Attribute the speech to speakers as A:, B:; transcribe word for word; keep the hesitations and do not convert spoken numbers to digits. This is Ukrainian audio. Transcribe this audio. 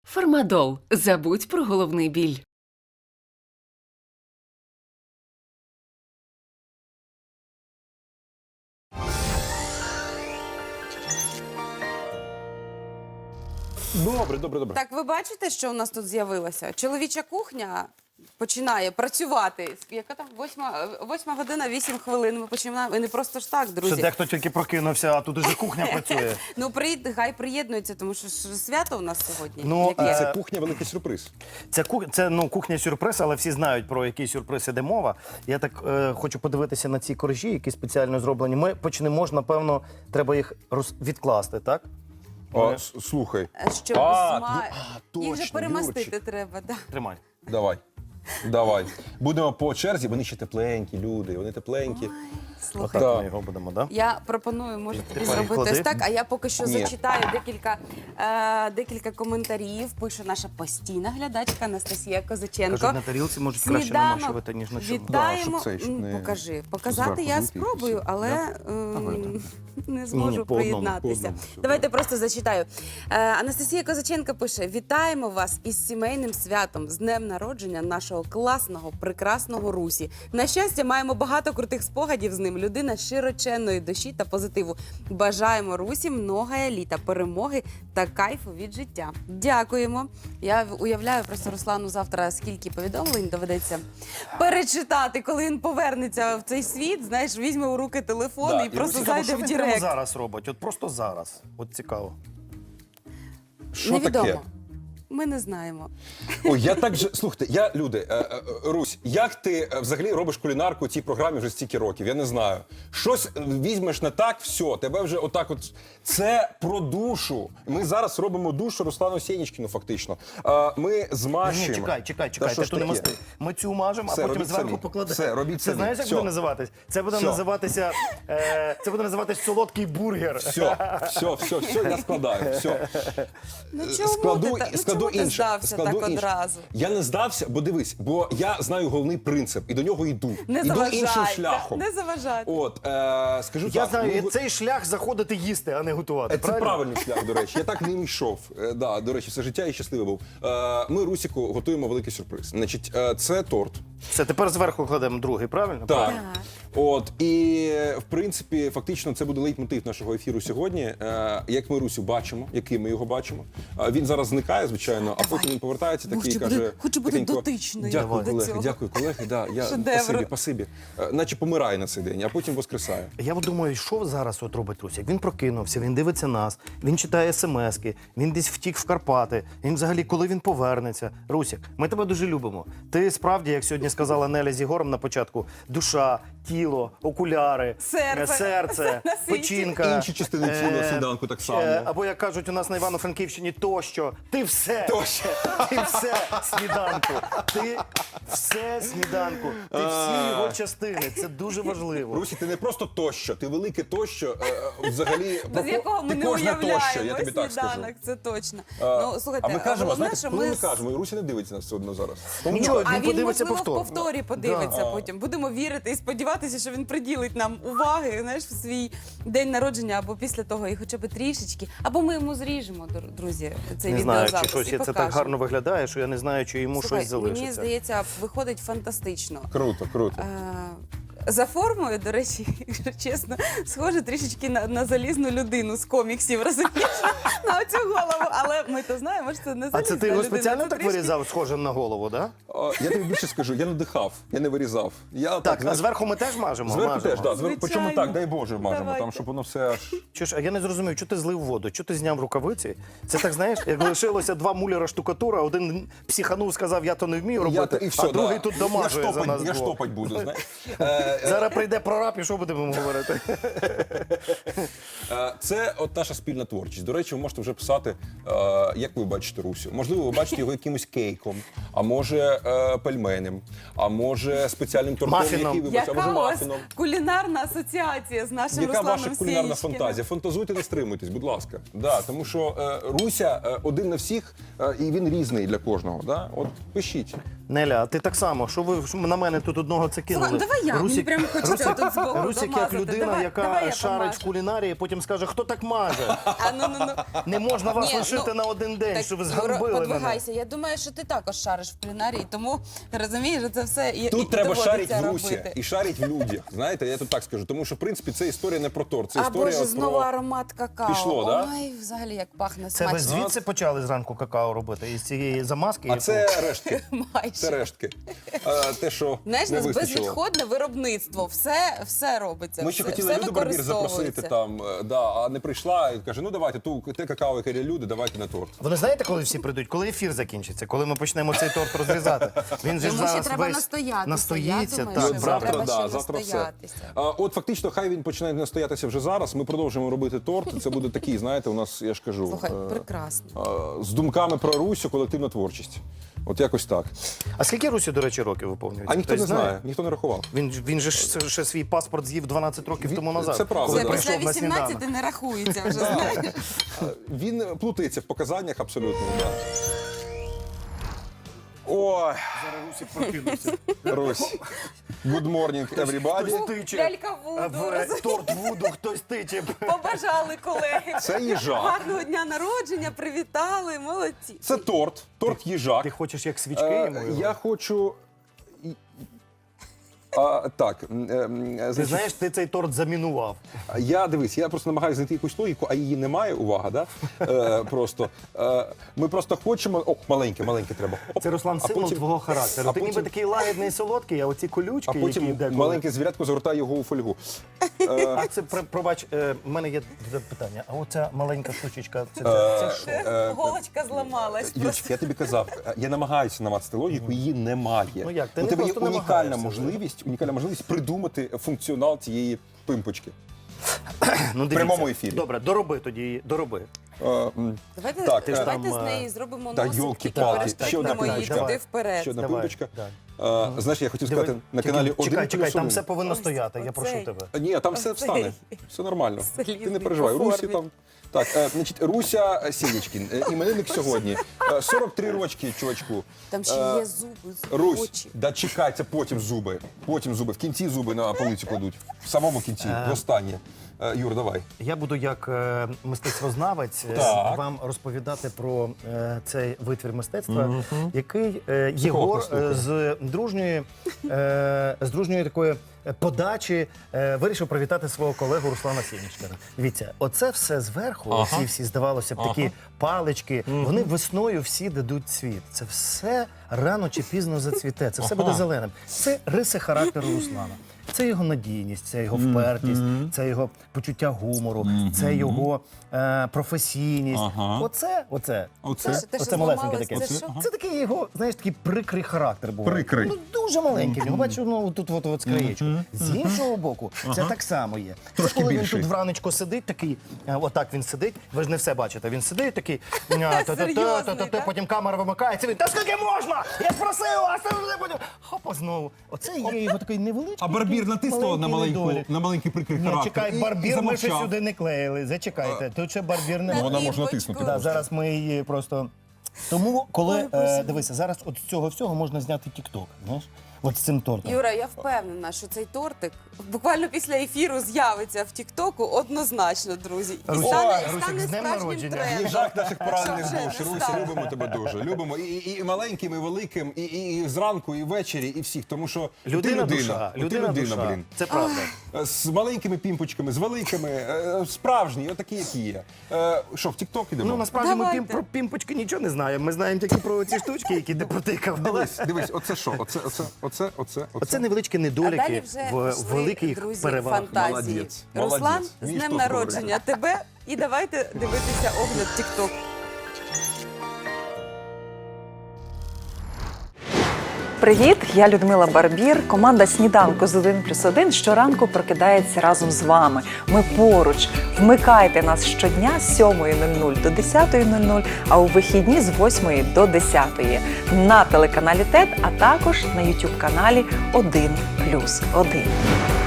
A: Фармадол. Забудь про головний біль.
B: Добре, добре, добре.
C: Так, ви бачите, що у нас тут з'явилося? Чоловіча кухня починає працювати. Яка там? Восьма, восьма година, вісім хвилин. Ми починаємо. І не просто ж так, друзі.
D: Ще дехто тільки прокинувся, а тут уже кухня працює.
C: Ну, приїд, хай приєднується, тому що ж свято у нас сьогодні.
D: Ну,
C: Яке?
B: Це кухня великий сюрприз.
D: Це, кух... це ну, кухня-сюрприз, але всі знають, про який сюрприз іде мова. Я так е, хочу подивитися на ці коржі, які спеціально зроблені. Ми почнемо, ж, напевно, треба їх роз... відкласти, так?
B: О, с- слухай.
C: Щоб
B: А,
C: зма...
B: ну, а,
C: Їх же
B: точно,
C: перемастити
B: Юрчик.
C: треба. Да.
D: Тримай.
B: Давай. Давай. Будемо по черзі, вони ще тепленькі, люди, вони тепленькі.
C: Слухай,
D: Отак
B: Так.
D: ми його будемо, так? Да?
C: я пропоную, може, тобі
D: Тепер
C: зробити
D: клади.
C: ось так, а я поки що
B: Ні.
C: зачитаю декілька, е, декілька коментарів. Пише наша постійна глядачка Анастасія Козаченко.
D: Кажуть, на тарілці можуть краще
C: Сніданок
D: намащувати, ніж на чому.
C: Вітаємо.
B: Да, щоб це, щоб
C: М,
B: не
C: Покажи. Показати
B: зверху
C: я
B: злити і
C: спробую,
B: все.
C: але
D: Да?
C: ем,
D: видно.
C: не зможу
D: Ні-ні, по
B: одному,
C: приєднатися.
B: по одному, все,
C: Давайте просто зачитаю. Е, Анастасія Козаченко пише: вітаємо вас із сімейним святом, з днем народження нашого класного, прекрасного Русі. На щастя, маємо багато крутих спогадів з ним. Людина широченної душі та позитиву. Бажаємо Русі многое літа, перемоги та кайфу від життя. Дякуємо. Я уявляю просто Руслану завтра, скільки повідомлень доведеться перечитати, коли він повернеться в цей світ. Знаєш, візьме у руки телефон
B: Да,
C: і
B: і
C: просто
D: Цікаво,
C: зайде
D: що
C: в
D: він прямо
C: Директ.
D: зараз робить? От просто зараз. От цікаво.
B: Що
C: Невідомо.
B: таке?
C: Ми не знаємо.
B: Ой, я так же. Слухайте, я люди, е, е, Русь, як ти е, взагалі робиш кулінарку у цій програмі вже стільки років? Я не знаю. Щось е, візьмеш не так, все, тебе вже отак от. Це про душу. Ми зараз робимо душу Руслану Сєнічкіну, фактично. Е, Ми
D: Ні,
B: змащуємо.
D: чекай, чекай,
B: Та
D: чекай,
B: що
D: ти
B: ж
D: тут не
B: таке?
D: масти. Ми цю мажемо, а
B: Все,
D: потім
B: робіть
D: зверху
B: самі.
D: покладемо.
B: Все, робіть
D: Це
B: самі.
D: знаєш, як
B: Все.
D: буде називатись? Це буде
B: Все.
D: називатися, е, це буде називатись солодкий бургер.
B: Все, все, все, все, я складаю. Все.
C: Ну чому
B: складу,
C: ти, та- ну,
B: складу
C: чому ти
B: інше.
C: здався
B: складу
C: так
B: інше.
C: одразу?
B: Я не здався, бо дивись, бо я знаю головний принцип і до нього йду.
C: Не
B: йду
C: заважай,
B: іншим
C: та-
B: шляхом.
C: не заважай.
B: От, е, скажу
D: Я
B: так.
D: знаю,
B: ми-
D: цей шлях заходити їсти, а не готувати.
B: Це
D: правильно?
B: правильний шлях, до речі. Я так ним йшов. Е, да, до речі, все життя і щасливий був. Е, ми Русіку готуємо великий сюрприз. Значить, е, це торт.
D: Все, тепер зверху кладемо другий, правильно?
B: Так.
C: Так.
B: От, і в принципі, фактично, це буде лейтмотив нашого ефіру сьогодні. Е, як ми Русю бачимо, який ми його бачимо. Е, він зараз зникає, звичайно, а потім він повертається такий і
C: Хочу
B: каже.
C: бути- хочу бути
B: тихенько,
C: дотичною
B: Дякую,
C: до
B: колеги,
C: цього».
B: дякую, колеги. Да, я,
C: Шедевр.
B: спасибі, спасибі. Е, наче помирає на цей день, а потім воскресає.
D: Я от думаю, що зараз от робить Русік? Він прокинувся, він дивиться нас, він читає смски, він десь втік в Карпати. Він взагалі, коли він повернеться. Русік, ми тебе дуже любимо. Ти справді, як сьогодні сказала Неля з Ігорем на початку, душа, тіло, окуляри,
C: Серце.
D: е, серце,
C: На світі.
D: печінка.
B: Інші частини тіла
D: е,
B: сніданку так само.
D: е, Або, як кажуть у нас на Івано-Франківщині, тощо. Ти все.
B: Тощо.
D: Ти все сніданку. Ти все сніданку. Ти всі його частини. Це дуже важливо.
B: Русі, ти не просто тощо, ти велике тощо, е, взагалі,
C: Без
B: про-
C: якого ми
B: ти
C: не
B: кожне
C: уявляємо
B: тощо, я тобі так скажу.
C: сніданок, це точно.
B: Е,
C: Ну, слухайте,
B: а ми кажемо,
C: головне,
B: знаєте,
C: що
B: коли ми
C: ми...
B: кажемо, і Руся не дивиться нас все одно зараз.
D: Нічого,
C: А
D: він
C: він,
D: подивиться
C: можливо,
D: повтор.
C: в повторі подивиться
B: Да.
C: потім. Будемо вірити і сподіватися, що він приділить нам уваги, знаєш, в свій день народження або після того, і хоча б трішечки. Або ми йому зріжемо, др- друзі, цей
D: Не знаю, чи
C: відеозапис
D: щось
C: і
D: це так
C: покажемо.
D: гарно виглядає, що я не знаю, чи йому
C: Слухай,
D: щось залишиться.
C: мені здається, виходить фантастично.
B: Круто, круто.
C: Е, За формою, до речі, якщо чесно, схоже трішечки на, на залізну людину з коміксів, розумієш, на оцю голову. Але ми то знаємо, що це не
D: А
C: залізна
D: це ти його
C: людина,
D: спеціально
C: це
D: так
C: трішки-
D: вирізав, схожим на голову, да?
B: А, я тобі більше скажу, я надихав, я не вирізав. Я так,
D: Так, а
B: знаєш,
D: зверху ми теж мажемо?
B: зверху
D: Мажемо.
B: теж, да, зверху, причому
C: Звичайно.
B: так, дай Боже, мажемо,
C: Давайте.
B: там, щоб воно все аж...
D: Чуєш, а я не зрозумів, чого ти злив воду? Чого ти зняв рукавиці? Це так, знаєш, як лишилося два муляра штукатура, один психанув, сказав, я то не вмію
B: Я,
D: робити,
B: то- і все,
D: а другий
B: да.
D: тут
B: я
D: домажує за
B: штопать,
D: нас
B: Я
D: двох.
B: штопать буду, знаєш. Е,
D: Зараз прийде прораб і що будемо говорити?
B: е, Це от наша спільна творчість. До речі, ви можете вже писати, е, як ви бачите Русю. Можливо, ви бачите його якимось кейком, а може е, пельменем, а може спеціальним тортом,
D: Мафіном.
B: який ви бачите, а може
C: Яка у вас
B: мафіном.
C: кулінарна асоціація з нашим
B: Яка
C: Русланом
B: ваша кулінарна
C: Сєнічкіним?
B: фантазія? Фантазуйте, не стримуйтесь, будь ласка. Да, тому що е, Руся е, один на всіх, е, і він різний для кожного. Да? От пишіть.
D: Неля, а ти так само, що ви що на мене тут одного це кинули?
C: Слухай, давай я, мені прямо хочеться тут збоку
D: Русик як
C: домазати.
D: людина,
C: Давай-
D: яка
C: давай я
D: шарить
C: помажу.
D: в кулінарії, потім скаже, хто так маже?
C: А, ну, ну, ну.
D: Не можна вас
C: Ні,
D: лишити
C: ну,
D: на один день,
C: Так,
D: що ви
C: Юра,
D: зганьбили мене.
C: подвигайся. Я думаю, що ти також шариш в кулінарії, тому розумієш, що це все і,
B: Тут
C: і
B: треба
C: доводиться
B: шарити в Русі
C: робити.
B: і шарити в людях. Знаєте, я тут так скажу. Тому що, в принципі, це історія не про торт, це
C: А
B: історія
C: боже,
B: про...
C: знову аромат какао.
B: Пішло, да?
C: Ой, взагалі, як пахне
D: Це ви
C: смачно.
D: звідси почали зранку какао робити? Із цієї замазки?
B: А
D: яку-
B: це рештки.
C: Майже.
B: Це рештки. А, те, що
C: Знаєш, у
B: не
C: нас
B: вистачило.
C: безвідходне виробництво, все, все робиться.
B: Ми ще
C: все,
B: хотіли
C: все
B: Люду Барбір запросити
C: використовується.
B: там, е, да, а не прийшла і каже, ну давайте ту те какао, яке є люди, давайте на торт.
D: Вони знаєте, коли всі прийдуть? Коли ефір закінчиться, коли ми почнемо цей торт розрізати. Він же ж
C: Йому ще
D: зараз
C: треба
D: весь
C: настоятися.
D: настоїться.
C: Я думаю,
D: Так,
C: що
B: От
C: Треба
B: завтра,
C: ще
B: да, завтра все.
C: настоятися.
B: А, от фактично, хай він починає настоятися вже зараз. Ми продовжуємо робити торт. Це буде такий, знаєте, у нас, я ж кажу,
C: Слухай,
B: е,
C: прекрасно.
B: е, з думками про Русю, колективна творчість. От якось так.
D: А скільки Русі, до речі, років виповнюється?
B: А ніхто
D: Хтось
B: не знає, ніхто не рахував.
D: Він, ж- він же ж ще свій паспорт з'їв дванадцять років
B: Він-
D: тому назад.
B: це правда,
D: коли
C: Це
B: да.
C: після
D: прийшов на сніданок.
C: вісімнадцяти не рахується вже, знаєш.
B: Е, Він плутається в показаннях абсолютно. Да. Ой, Русь. Good morning, everybody.
D: Тиче.
C: Лялька
D: А
C: Вуду,
D: в е,
C: розумієш?
D: торт Вуду хтось тиче.
C: Побажали колеги.
B: Це їжак.
C: Гарного дня народження, привітали, молодці.
B: Це торт, торт їжак.
D: Ти хочеш як свічки
B: Е,
D: йому? його?
B: Я хочу. і- А, так, м, е, м,
D: Ти
B: значить,
D: знаєш, ти цей торт замінував.
B: я дивись, я просто намагаюся знайти якусь логіку, а її немає, увага, да? Е, просто. Е, ми просто хочемо. О, маленьке, маленьке треба. Оп.
D: Це, Руслан,
B: А
D: символ
B: потім-
D: твого характеру.
B: а
D: Ти ніби
B: потім-
D: такий лагідний і солодкий, а оці колючки,
B: А потім
D: які деколи...
B: маленьке звірятко загортає його у фольгу.
D: А це, про- пробач, е, в мене є таке питання. А оця маленька штучечка, це, це,
B: Е,
D: це що?
B: е,
C: Голочка зламалась.
B: Юрчик, я тобі казав, я намагаюся намацати логіку, її немає.
D: Ну як, ти
B: У
D: не
B: тебе є
D: просто
B: унікальна
D: намагаєшся,
B: можливість, унікальна можливість придумати функціонал цієї пимпочки.
D: Ну, дивіться.
B: прямому ефірі.
D: Добре, дороби тоді, дороби.
B: Е, м,
C: Давайте,
B: Так,
C: давайте
D: там,
C: з
D: е,
C: неї зробимо
B: та
C: носик,
B: йолки-палки,
C: тільки
B: ще одна
C: перештовхнемо її
B: пимпочка.
C: туди вперед.
B: Ще одна
D: Давай,
B: пимпочка.
D: давай.
B: Е, Знаєш, я хотів
D: Диви,
B: сказати на
D: тільки
B: каналі один
D: Чекай, чекай,
B: плюс
D: там
B: один.
D: все повинно
C: Ось
D: стояти, я прошу
C: оцей.
D: тебе.
B: Ні, там все
C: Оцей.
B: встане. Все нормально. Ти
C: Залізний
B: не переживай.
C: по
B: Русі
C: формі.
B: там. Так, е, значить, Руся Сєнічкін, е, іменинник сьогодні. Е, сорок три рочки, чувачку.
C: Там ще
B: Е,
C: є зуби,
B: Русь,
C: очі.
B: да чекай, це потім зуби. Потім зуби. В кінці зуби на полиці кладуть. В самому кінці, в останнє. Е, Юр, давай.
D: Я буду як е, мистецтвознавець е,
B: Так.
D: вам розповідати про е, цей витвір мистецтва, який е, Єгор
B: слухаю.
D: е, з дружньої, е, з дружньої такої подачі е, вирішив привітати свого колегу Руслана Сєнічкіна. Дивіться, оце все зверху,
B: Ага.
D: ці всі, здавалося б, такі палички, вони весною всі дадуть цвіт. Це все рано чи пізно зацвіте, це все буде зеленим. Це риси характеру Руслана. Це його надійність, це його впертість, це його почуття гумору, це його е, професійність.
B: Ага.
D: Оце, оце,
B: Оце?
C: Те, що
D: оце малесеньке
C: зламалось,
D: таке.
C: це що?
D: Це такий його, знаєш, такий прикрий характер був.
B: Прикрий.
D: Ну, дуже маленький. Ну, бачу, ну тут от, от скраєчку. З іншого боку, це так само є.
B: Трошки
D: це коли
B: більший.
D: він тут вранечко сидить, такий, е, отак він сидить, ви ж не все бачите. Він сидить такий, а, та-та-та,
C: Серйозний,
D: та-та-та,
C: так?
D: потім камера вимикається, він, та скільки можна? Я просив вас, та ви потім. Хопа знову. Оце є його такий невеличкий.
B: А Барбір
D: такий
B: натиснула на
D: маленький
B: маленьку,
D: недолік.
B: на маленький прикрий
D: Ні,
B: характер.
D: чекай,
B: і
D: Барбір ми ще
B: замовчав.
D: сюди не клеїли. Зачекайте, тут ще Барбір не
B: Ну, вона
C: І
B: може
C: бочку.
B: натиснути.
D: Да, зараз ми її просто. Тому, коли
C: Ой, Боже.
D: е, дивися, зараз от з цього всього можна зняти тік-ток, знаєш? От з цим тортом.
C: Юра, я впевнена, що цей тортик буквально після ефіру з'явиться в Тіктоку однозначно, друзі. І
D: Руся,
C: стане,
D: Русик,
C: стане
D: з днем
C: справжнім
D: народження.
C: трендом.
B: Їжак наших поранених
C: Що вже
B: душ.
C: не
B: Руся,
C: стане.
B: любимо тебе дуже. Любимо і, і, і маленьким, і великим, і, і, і зранку, і ввечері, і всіх. Тому що
D: Людина,
B: ти людина.
D: душа,
B: Ти
D: людина,
B: людина,
D: душа.
B: блін.
D: Це правда.
B: Е, З маленькими пімпочками, з великими, е, справжні, отакі, які є. Е, Що, в Тік-Ток ідемо?
D: Ну, насправді ми
C: Давайте.
D: пім, про пімпочки нічого не знаємо. Ми знаємо тільки про ці штучки, які ти протикав. Але
B: Дивись, дивись, оце що? Оце, оце, оце, оце,
D: Оце невеличкі
C: А далі
D: недоліки
C: вже
D: в
C: пішли,
D: великих
C: друзі,
D: перевагах.
C: фантазії.
B: Молодець,
C: Руслан,
B: молодець.
C: з
B: Вмієш
C: днем
B: тут
C: народження тебе. І давайте дивитися огляд Тікток.
E: Привіт, я Людмила Барбір. Команда «Сніданку з один плюс один» щоранку прокидається разом з вами. Ми поруч. Вмикайте нас щодня з сьомої нуль нуль до десятої нуль нуль, а у вихідні з восьмої до десятої на телеканалі ТЕТ, а також на ютуб-каналі один плюс один.